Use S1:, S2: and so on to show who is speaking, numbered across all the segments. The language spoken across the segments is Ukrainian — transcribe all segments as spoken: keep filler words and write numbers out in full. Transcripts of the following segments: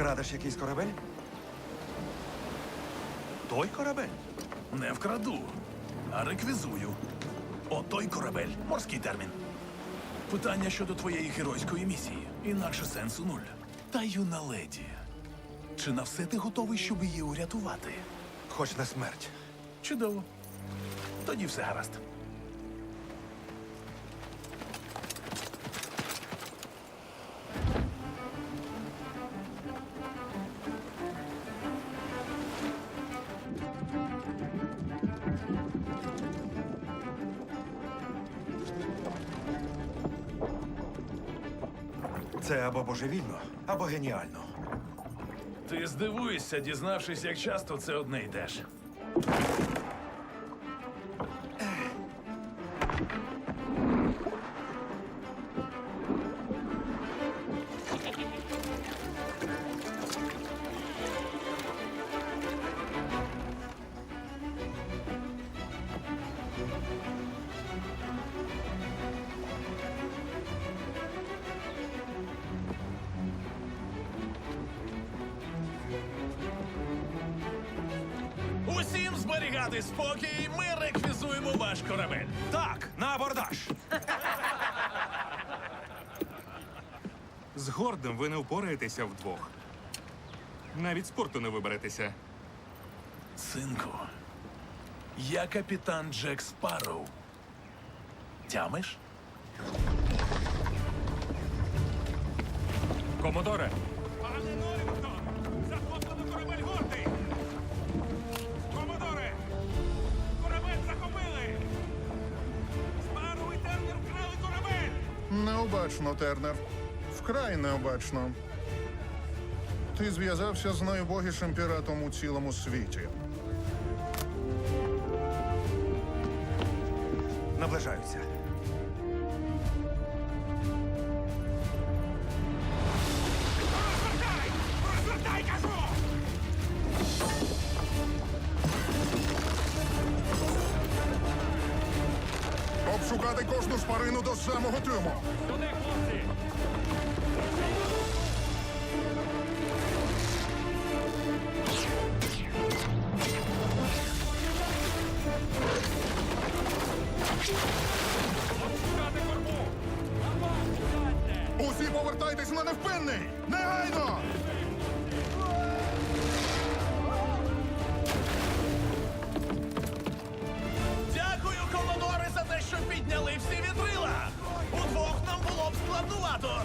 S1: Вкрадеш якийсь корабель? Той корабель?
S2: Не вкраду, а реквізую. Отой корабель. Морський термін. Питання щодо твоєї геройської місії. Інакше сенсу нуль. Та юна леді. Чи на все ти готовий, щоб її урятувати?
S1: Хоч на смерть.
S2: Чудово. Тоді все гаразд.
S1: Це або божевільно, або геніально.
S2: Ти здивуєшся, дізнавшись, як часто це одне йдеш. Усім зберігати спокій, ми реквізуємо ваш корабель.
S1: Так, на абордаж!
S3: З Гордом ви не впораєтеся вдвох. Навіть спорту не виберетеся.
S2: Синку, я капітан Джек Спарроу. Тямиш?
S3: Комодоре!
S4: Пане Норрінгтон! Захоплено корабель Гордий! Комодоре! Корабель захопили! Спарроу і Тернер вкрали корабель!
S5: Необачно, Тернер. Вкрай необачно. Ти зв'язався з найубогішим піратом у цілому світі.
S1: Наближаються.
S4: Розвертай! Розвертай, кажу!
S5: Обшукати кожну шпарину до самого трюму.
S4: Туди, хлопці! Обшукати корму!
S5: Усі повертайтесь на невпинний! Негайно!
S2: Дякую, комодори, за те, що підняли всі вітрила! Удвох нам було б складнувато!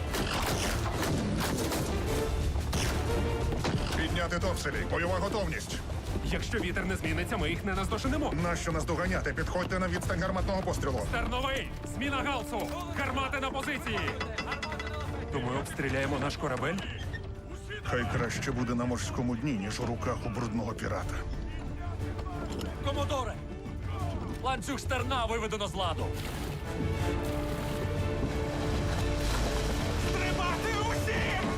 S5: Підняти топселі. Бойова готовність.
S6: Якщо вітер не зміниться, ми їх не наздоженемо.
S5: Нащо нас доганяти? Підходьте на відстань гарматного пострілу.
S6: Терновий! Зміна галсу! Гармати на позиції! То ми обстріляємо наш корабель?
S5: Хай краще буде на морському дні, ніж у руках у брудного пірата.
S6: Комодоре! Ланцюг стерна виведено з ладу.
S4: Тримати усім!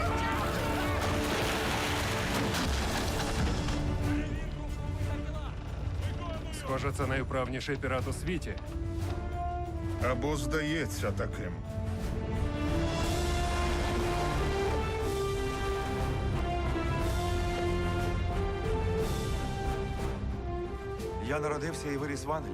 S6: Схоже, це найвправніший пірат у світі.
S5: Або здається таким.
S1: Я народився і виріс в Англії.